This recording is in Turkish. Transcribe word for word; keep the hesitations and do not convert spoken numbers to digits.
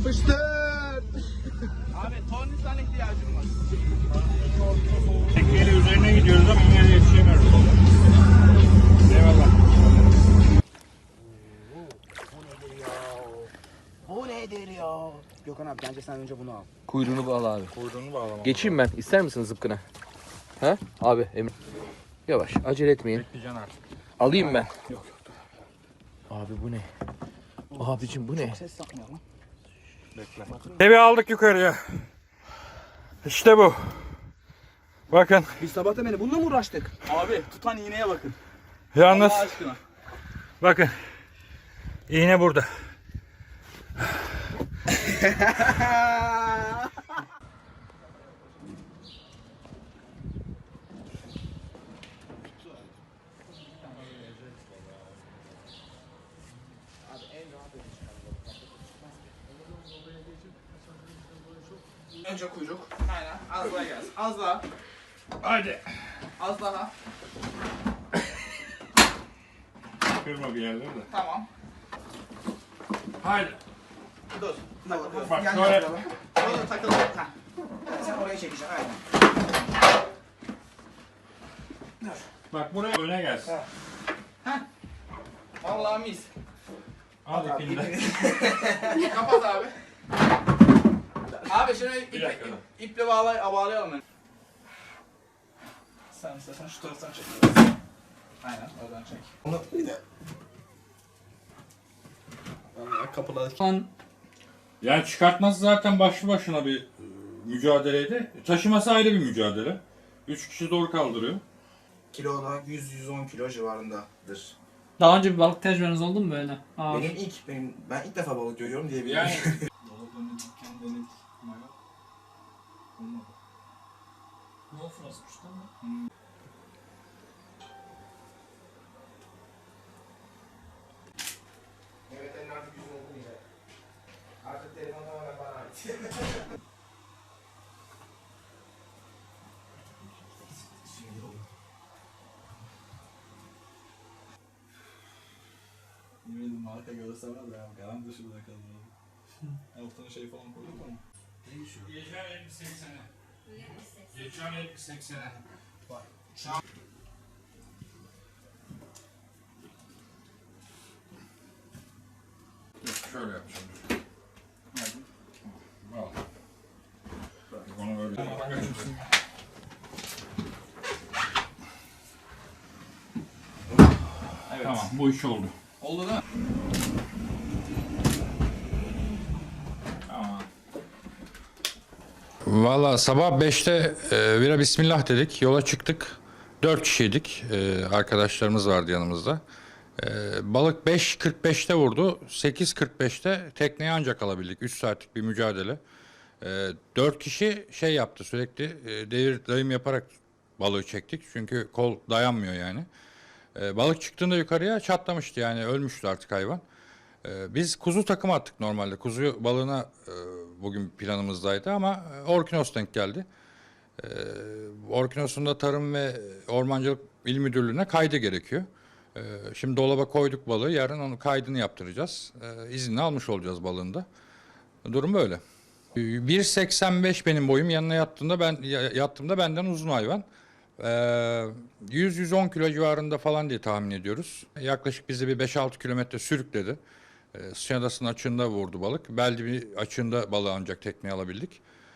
Yapıştır. Abi tornistan ihtiyacım var. Tekneyle üzerine gidiyoruz ama yine de yetişemiyoruz. Eyvallah. Bu nedir ya? Gökhan abi bence sen önce bunu al. Kuyruğunu bağla abi. Kuyruğunu bağlamam. Geçeyim ben. İster misin zıpkına? Ha? Abi Emre. Yavaş. Acele etmeyin. Bekleyeceksin artık. Alayım ben. Yok yok. Abi bu ne? Abicim bu ne? Çok ses yapmıyor lan. Bekle. Evi aldık yukarıya. İşte bu. Bakın. Biz sabahta beni bununla mı uğraştık? Abi tutan iğneye bakın. Yalnız Allah aşkına. bakın. İğne burada. Önce kuyruk. Aynen. Az daha gelsin. Az daha. Haydi. Az daha. Kırma bir yerleri de. Tamam. Haydi. Dur. Takıl. Bak Yan şöyle. yapalım. Orada takıl. Ha. Sen oraya çekeceksin. Aynen. Bak buraya öne gelsin. Vallahi mis. Al ipini de. Kapat abi. Abi şunu ip, Bir dakika. ip, iple bağlay bağlayalım ben. Sen istersen şu taraftan çek. Aynen oradan çek. Onu bir de. Vallahi kapılar. Yani çıkartması zaten başlı başına bir e, mücadeleydi. Taşıması ayrı bir mücadele. Üç kişi zor kaldırıyor. Kilo da yüz yüz on kilo civarındadır. Daha önce bir balık tecrübeniz oldu mu böyle? Ağır. Benim ilk benim ben ilk defa balık görüyorum diyebilirim. Yani Dolabını dükkan denedik. Olmadı. Ne ofrasmış lan? Evet elin artık yüzünü okumayacak. Artık telefon tamamen bana ait. Şimdi oldu. Yemedim marka göstermez ya. Garanti dışı bırakalım. Altına şey falan koyduk ama. geçen elli seksene. Geçen elli seksene. Bak. Şöyle yapacağım. Al. Onu böyle. Evet. Tamam, bu iş oldu. Oldu değil mi? Tamam. Valla sabah beşte e, vira bismillah dedik. Yola çıktık. Dört kişiydik. E, arkadaşlarımız vardı yanımızda. E, balık beş kırk beşte vurdu. sekiz kırk beşte tekneye ancak alabildik. üç saatlik bir mücadele. E, dört kişi şey yaptı sürekli e, devir dayım yaparak balığı çektik. Çünkü kol dayanmıyor yani. E, balık çıktığında yukarıya çatlamıştı yani ölmüştü artık hayvan. Ee, Biz kuzu takımı attık normalde. Kuzu balığına e, bugün planımızdaydı ama e, Orkinos denk geldi. E, Orkinos'un da Tarım ve Ormancılık İl Müdürlüğü'ne kaydı gerekiyor. E, Şimdi dolaba koyduk balığı. Yarın onun kaydını yaptıracağız. E, İznini almış olacağız balığında. Durum böyle. E, bir seksen beş benim boyum. Yanına yattığımda ben ya- yattığımda benden uzun hayvan. Ee, yüz yüz on kilo civarında falan diye tahmin ediyoruz. Yaklaşık bizi bir beş altı kilometre sürükledi. Ee, Sıçan Adası'nın açığında vurdu balık. Beldi bir açığında balığı ancak tekneye alabildik.